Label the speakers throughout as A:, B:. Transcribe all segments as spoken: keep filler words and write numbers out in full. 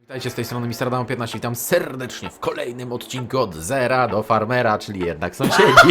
A: Witajcie, z tej strony mister Adamo piętnaście, witam serdecznie w kolejnym odcinku od zera do farmera, czyli jednak sąsiedzi.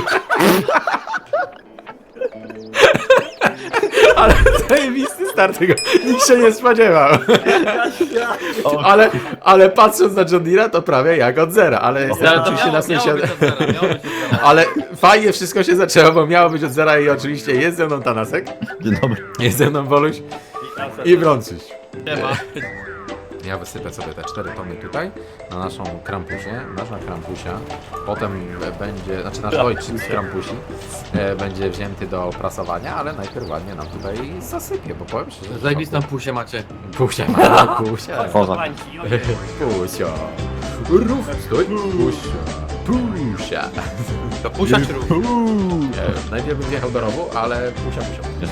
A: Ale zajebisty start tego, nikt się nie spodziewał. Ale, ale patrząc na John Deere'a to prawie jak od zera, ale jestem oczywiście na sensie... Ale fajnie wszystko się zaczęło, bo miało być od zera i oczywiście jest ze mną Tanasek.
B: Dzień dobry.
A: Jest ze mną Woluś i Brączyś.
C: Nie ma.
A: Ja wysypię sobie te cztery tony tutaj na naszą krampusię, nasza krampusia, potem będzie, znaczy nasz ojciec z krampusi e, będzie wzięty do prasowania, ale najpierw ładnie nam tutaj zasypie, bo powiem szczerze, że...
C: Zajebistą pusię macie.
A: Pusia, ma, pusia,
B: Poza.
A: pusia, rów, stój, pusia, pusia.
C: To pusia czy rów?
A: E, najpierw bym wjechał do rowu, ale pusia, pusia.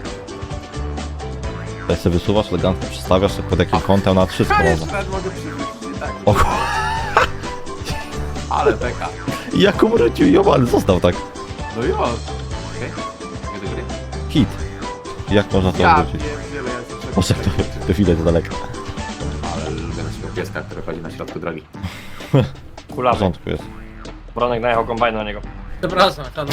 B: Tutaj sobie wysuwasz, elegancko przestawiasz pod jakim kątem na wszystko można.
A: mogę przywrócić, tak.
B: O,
A: Ale beka.
B: jak umrocił ją, ale został tak.
A: No jo. Okej, nie do gry.
B: Hit. Jak można to
A: Ja
B: odwrócić?
A: pierdzielę, ja jestem
B: Może to, to widać z daleka.
A: Ale lubię naszego pieska, który chodzi na środku drogi.
B: W
D: Kulawy.
B: porządku jest.
D: Bronek najechał kombajn na niego.
C: Przepraszam, tam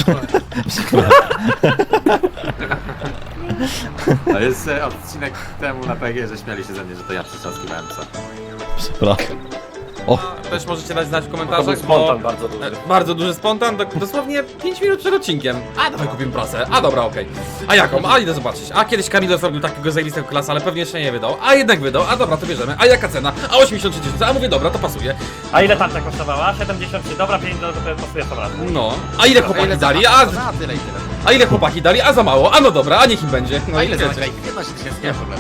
A: To jest e, odcinek temu na P G, że śmiali się ze mnie, że to ja przytrzaskiwałem psa.
B: Przepraszam. O,
C: też możecie dać znać w
D: To był
C: komentarzach,
D: spontan
C: bo...
D: bardzo duży.
C: e, Bardzo duży spontan, do, dosłownie pięć minut przed odcinkiem. A dawaj kupimy prasę, a dobra, okej. A jaką? A idę zobaczyć. A kiedyś Kamilo zrobił takiego zajebistego klasa, ale pewnie jeszcze nie wydał. A jednak wydał, a dobra, to bierzemy. A jaka cena? A osiemdziesiąt trzy tysiące, a mówię dobra, to pasuje.
D: A ile tarcza kosztowała? siedemdziesiąt trzy. Dobra, pięć do to pasuje to raz.
C: No. A ile chłopaki dali? A,
A: Na tyle i tyle.
C: a ile chłopaki dali? A za mało, a no dobra, a niech im będzie. No
A: A
C: i
A: ile
C: wiecie.
A: za piętnaście tysięcy, nie ma problemu.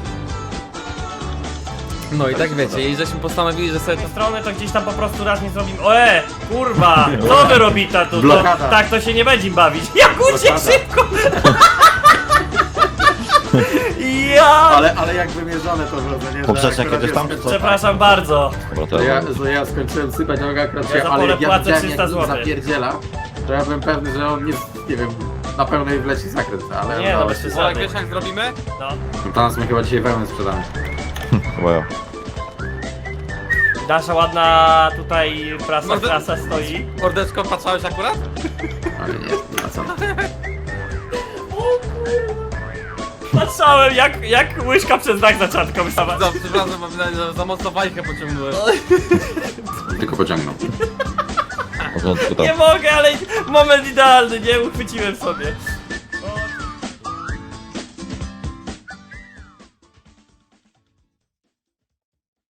C: No i tak wiecie, i żeśmy postanowili, że sobie to...
D: Te strony to gdzieś tam po prostu raz nie zrobimy. O e, kurwa! Co wy robicie tu? To,
A: Blokada.
D: tak to się nie będzie bawić. Jak uciekł
A: Blokada.
D: szybko! Ja!
A: Ale, ale jak wymierzone to wrodzenie, że
B: Poprzeczek
A: akurat
B: jedziesz tam,
A: jest-
B: czy co?
D: Przepraszam bardzo.
B: dobra, to
A: To ja,
B: ja...
A: że ja skończyłem sypać, a akurat
D: Ja
A: się,
D: za
A: ale
D: pole
A: jak ja
D: płacę
A: widziałem,
D: trzysta
A: jak nim
D: złotych.
A: zapierdziela, to ja byłem pewny, że on nie, nie wiem, na pełnej wleci zakręt, ale
D: Nie, no
A: udało
D: bez
A: się.
D: przesady.
C: Olek, wiesz jak zrobimy?
D: No.
A: To nas my chyba dzisiaj wełnę sprzedamy.
B: Chyba ja.
D: Nasza ładna tutaj prasa,
C: Może-
D: prasa stoi.
C: Mordeczko, patrzałeś akurat?
A: Ale nie, nie ma co.
D: Patrzałem jak, jak łyżka przez dach za czatką wystała.
C: Za, przepraszam, bo wydaje, że za mocno bajkę pociągnąłem.
A: Tylko pociągnął.
B: W porządku tam.
D: Nie mogę, ale moment idealny, nie uchwyciłem sobie.